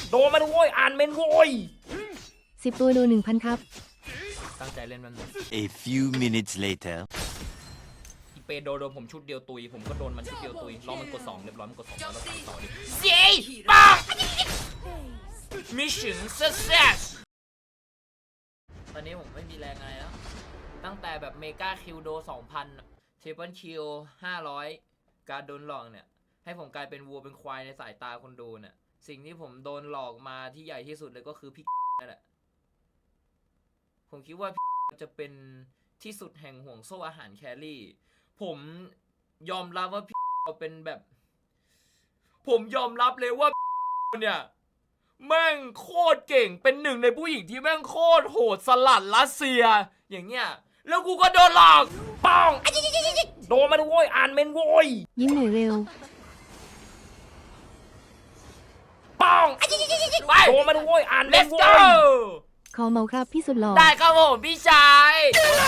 โดนมันโว้ยอ่านเมนโว้ย 10 ตัวดู 1,000 ครับตั้งใจเล่นมัน A few minutes later. อีเปโดนผมชุดเดียวตุยผมก็โดนมันชุดเดียวตุยรอมันกด2เรียบร้อยมันกด2แล้วเราทำต่อดิเย้ปัง Mission Success ตอนนี้ผมไม่มีแรงอะไรแล้วตั้งแต่แบบเมกาคิวโด 2,000 เทเปิลคิว 500 การโดนหลอกเนี่ยให้ผมกลายเป็นวัวเป็นควายในสายตาคนดูเนี่ยสิ่งที่ผมโดนหลอกมาที่ใหญ่ที่สุดเลยก็คือพี่นั่นแหละผมคิดว่าพี่จะเป็นที่สุดแห่งห่วงโซ่อาหารแครี่ผมยอมรับว่าพี่เป็นแบบผมยอมรับเลยว่าเนี่ยแม่งโคตรเก่งเป็นหนึ่งในผู้หญิงที่แม่งโคตรโหดสลัดรัสเซียอย่างเงี้ยแล้วกูก็โดนหลอกป้องโดนมันโว้ยอ่านเมนโว้ยยิ้มหน่อยเร็วป้องโดนมันโว้ยอ่านเมนโว้ยขอเมาครับพี่สุดหล่อได้ครับผมพี่ชาย